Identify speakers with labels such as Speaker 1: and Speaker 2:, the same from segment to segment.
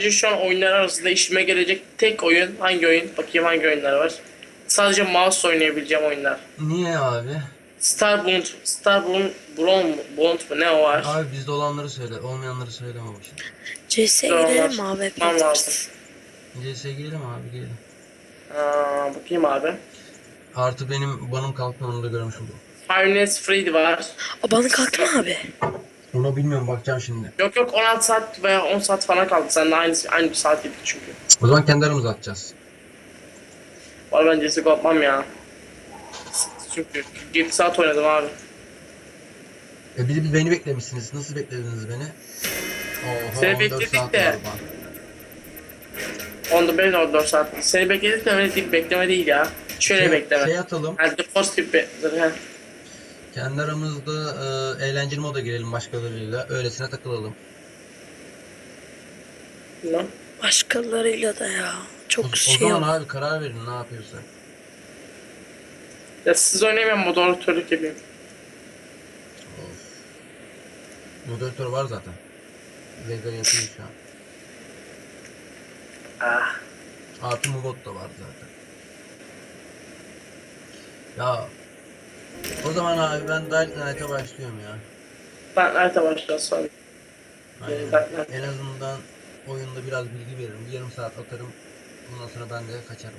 Speaker 1: şu an oyunlar arasında işime gelecek tek oyun hangi oyun? Bakayım hangi oyunlar var. Sadece mouse oynayabileceğim oyunlar.
Speaker 2: Niye abi?
Speaker 1: Bond mu ne o var?
Speaker 2: Abi bizde olanları söyle, olmayanları söyleme boşuna.
Speaker 3: CS'ye
Speaker 1: Güzel
Speaker 3: girelim
Speaker 1: onlar.
Speaker 3: mi abi
Speaker 1: Tamam lazım.
Speaker 3: hepimiz?
Speaker 2: CS'ye girelim abi girelim.
Speaker 1: Bakayım abi.
Speaker 2: Artı benim banım kalktı onu da görmüş oldum.
Speaker 1: Five Nights Freddy var.
Speaker 3: O bana kalktı mı abi?
Speaker 2: Onu bilmiyorum bakacağım şimdi.
Speaker 1: Yok 16 saat veya 10 saat falan kaldı. Seninle aynı bir saat yedik çünkü.
Speaker 2: O zaman kendi aramızda atacağız.
Speaker 1: Var ben CSGO yapmam ya. Çünkü 7 saat oynadım abi.
Speaker 2: Bir beni beklemişsiniz. Nasıl beklediniz beni? Oha
Speaker 1: Seni
Speaker 2: 14
Speaker 1: bekledik
Speaker 2: saat
Speaker 1: de.
Speaker 2: var bana.
Speaker 1: Onda benim de 14 saat. Seni bekledik de öyle değil, bekleme değil ya. Şöyle bekleme.
Speaker 2: Şey atalım.
Speaker 1: Yani The Force gibi.
Speaker 2: Kendi aramızda eğlenceli moda girelim başkalarıyla. Öylesine takılalım.
Speaker 1: Ne?
Speaker 3: Başkalarıyla da ya. Çok
Speaker 2: O
Speaker 3: şey
Speaker 2: zaman
Speaker 3: yok.
Speaker 2: abi karar verin ne yapıyorsa.
Speaker 1: Ya siz oynayamayan moderatörlük yapayım.
Speaker 2: Of. Moderatör var zaten. Vega yapıyor şu an.
Speaker 1: Ah.
Speaker 2: Artı Mubot da var zaten. Ya o zaman abi ben Dying Light'a başlıyorum ya.
Speaker 1: Ben nerede başlayacağız sonra?
Speaker 2: Aynen. En azından oyunda biraz bilgi veririm. Bir yarım saat atarım. Ondan sonra ben de kaçarım.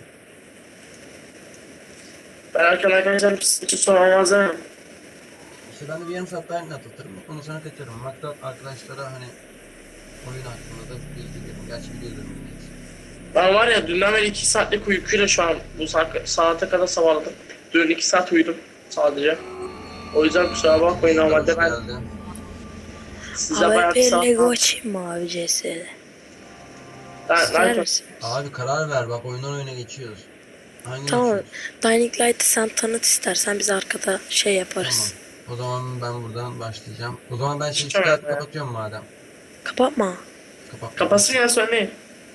Speaker 1: Ben arkadaşlar hiç sorun olmaz değil mi?
Speaker 2: İşte ben de bir yarım saat Dying Light atarım. Ondan sonra kaçarım. Hatta arkadaşlara hani oyun hakkında da bilgi veririm. Gerçi biliyordur millet.
Speaker 1: Ben var ya dünden beri 2 saatlik uykuyla şu an bu saate kadar sabahladım. Dün 2 saat uyudum sadece. O yüzden kusura bakmayın normalde ben
Speaker 2: Geldi.
Speaker 1: size bayağı
Speaker 3: Abi
Speaker 1: bir
Speaker 3: bir
Speaker 1: saat...
Speaker 3: Lego açayım mı abi CS'de? İster
Speaker 1: Ben
Speaker 3: misin?
Speaker 2: Abi karar ver bak oyundan oyuna geçiyoruz. Hangini
Speaker 3: Tamam.
Speaker 2: açıyoruz?
Speaker 3: Dying Light'ı sen tanıt istersen biz arkada şey
Speaker 2: Tamam.
Speaker 3: yaparız.
Speaker 2: O zaman ben buradan başlayacağım. O zaman ben şey
Speaker 1: Çıkamıyorum
Speaker 2: çıkartıp
Speaker 1: ya.
Speaker 2: kapatıyorum madem.
Speaker 3: Kapatma.
Speaker 2: Kapat.
Speaker 1: Kapatsın ya söyleyin.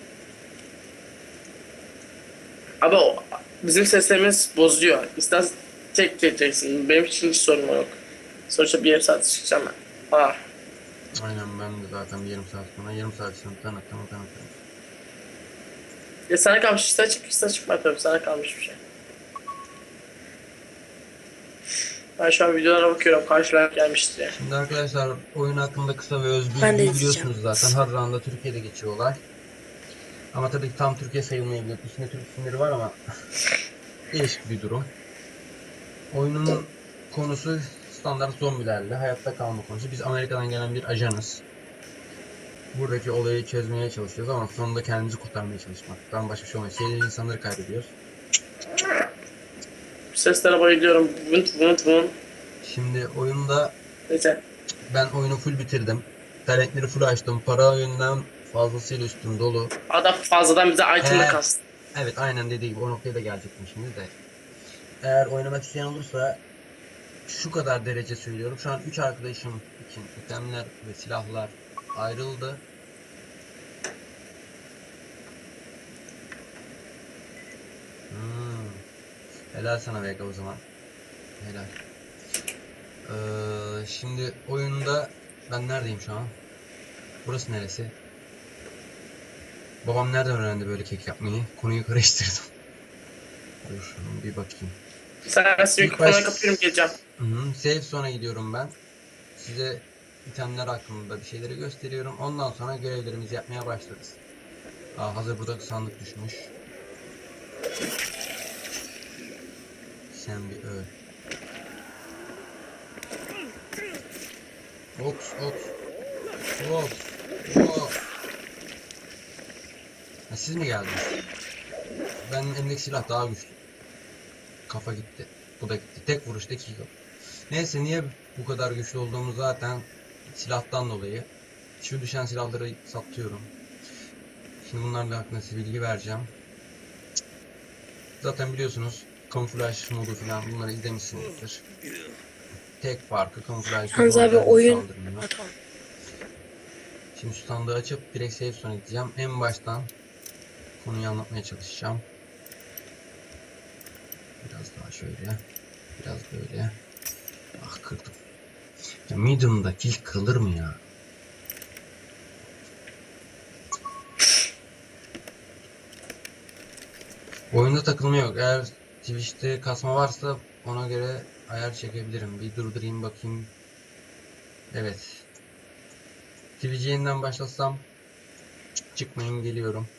Speaker 1: Abi bizim seslerimiz bozuyor. İstersen tek çekeceksin. Benim için hiç sorun yok. Sonuçta bir yarım saat çıkacağım ben.
Speaker 2: Aynen ben de zaten bir yarım saat sonra yarım saat sonra tanıttım.
Speaker 1: Ya sana kalmış ister çık ister çıkma tabii sana kalmış bir şey. Ben şu an videolara bakıyorum karşılar gelmiştir ya.
Speaker 2: Şimdi arkadaşlar oyun hakkında kısa ve öz
Speaker 3: Ben de
Speaker 2: bilgi
Speaker 3: izleyeceğim.
Speaker 2: biliyorsunuz zaten. Harran'da Türkiye'de geçiyor olay. Ama tabii ki tam Türkiye sayılmayabilir. İçinde Türk isimleri var ama değişik bir durum. Oyunun konusu standart zombilerle hayatta kalma konusu. Biz Amerika'dan gelen bir ajanız. Buradaki olayı çözmeye çalışıyoruz ama sonunda kendimizi kurtarmaya çalışmaktan başka bir şey olmuyor. Şeyleri insanları kaybediyoruz.
Speaker 1: Seslere bayılıyorum. Vınt vınt vınt.
Speaker 2: Şimdi oyunda
Speaker 1: Neyse.
Speaker 2: ben oyunu full bitirdim. Talentleri full açtım. Para yönden fazlasıyla üstüm dolu.
Speaker 1: Adam fazladan bize item'la
Speaker 2: Eğer,
Speaker 1: kastı.
Speaker 2: evet aynen dediği gibi o noktaya da gelecektim şimdi de. Eğer oynamak isteyen olursa şu kadar derece söylüyorum. Şu an 3 arkadaşım için itemler ve silahlar ayrıldı. Helal sana Vega o zaman. Helal. Şimdi oyunda ben neredeyim şu an? Burası neresi? Babam nereden öğrendi böyle kek yapmayı? Konuyu karıştırdım. Dur bir bakayım.
Speaker 1: Sen mikrofonu kapıyorum geleceğim.
Speaker 2: Save sonra gidiyorum ben. Size itemler hakkında bir şeyleri gösteriyorum. Ondan sonra görevlerimizi yapmaya başlarız. Hazır burada sandık düşmüş. Sen bir öl. Ops. Siz mi geldiniz? Benim elimdeki silah daha güçlü. Kafa gitti. Bu da gitti. Tek vuruşta 2 kill. Neyse niye bu kadar güçlü olduğumu zaten silahtan dolayı. Şu düşen silahları satıyorum. Şimdi bunlarla hakkında size bilgi vereceğim. Zaten biliyorsunuz kamuflaj modu falan bunları izlemişsinizdir. Tek farkı kamuflaj
Speaker 3: Yalnız abi oyun...
Speaker 2: saldırmıyor.
Speaker 3: Ha, tamam.
Speaker 2: Şimdi şu sandığı açıp direkt save sonra gideceğim. En baştan konuyu anlatmaya çalışacağım. Biraz daha şöyle. Biraz böyle. Ah kırdım. Ya medium'da kill kırılır mı ya? Oyunda takılma yok. Eğer Twitch'te kasma varsa ona göre ayar çekebilirim. Bir durdurayım bakayım. Evet. Twitch'i yeniden başlasam çıkmayın, geliyorum.